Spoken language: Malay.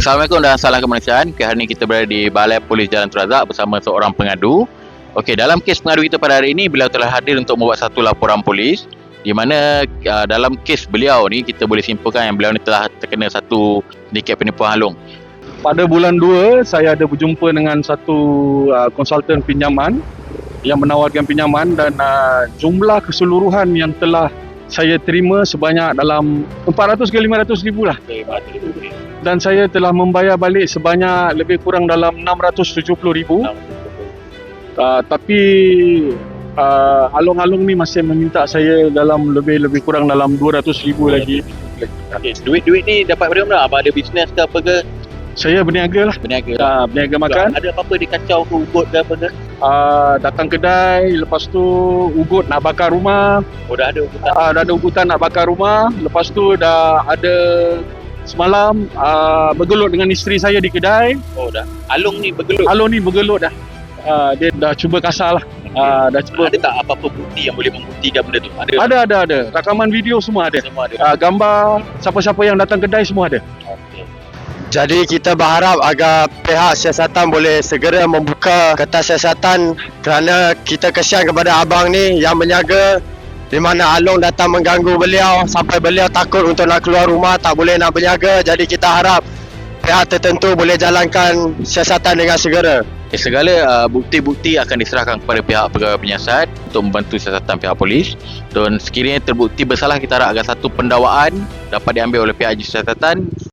Assalamualaikum dan salam kemanusiaan. Hari ini kita berada di Balai Polis Jalan Tun Razak bersama seorang pengadu. Okey, dalam kes pengadu kita pada hari ini, beliau telah hadir untuk membuat satu laporan polis di mana dalam kes beliau ni kita boleh simpulkan yang beliau ni telah terkena satu sindiket penipuan halung. Pada bulan 2, saya ada berjumpa dengan satu konsultan pinjaman yang menawarkan pinjaman dan jumlah keseluruhan yang telah saya terima sebanyak dalam 400 ke 500 ribu lah. Dan saya telah membayar balik sebanyak lebih kurang dalam 670 ribu. Tapi alung-alung ni masih meminta saya dalam lebih kurang dalam 200 ribu lagi. Okay. Duit ni dapat dari mana? Abang ada bisnes ke apa ke? Saya berniaga lah. Berniaga makan. Ada apa-apa dikacau ke ugut ke apa ke? Datang kedai, lepas tu ugut nak bakar rumah. Oh, dah ada ugutan? Dah ada ugutan nak bakar rumah. Lepas tu dah ada semalam bergelut dengan isteri saya di kedai. Oh, dah. Alung ni bergelut? Alung ni bergelut dah. Dia dah cuba kasar lah. Dah cuba. Ada tak apa-apa bukti yang boleh membuktikan benda tu? Ada. Rakaman video semua ada. Gambar siapa-siapa yang datang kedai semua ada. Okay. Jadi kita berharap agar pihak siasatan boleh segera membuka kertas siasatan kerana kita kesian kepada abang ni yang berniaga di mana Alung datang mengganggu beliau sampai beliau takut untuk nak keluar rumah, tak boleh nak berniaga. Jadi kita harap pihak tertentu boleh jalankan siasatan dengan segera. Segala bukti-bukti akan diserahkan kepada pihak pegawai penyiasat untuk membantu siasatan pihak polis, dan sekiranya terbukti bersalah kita harap agar satu pendakwaan dapat diambil oleh pihak siasatan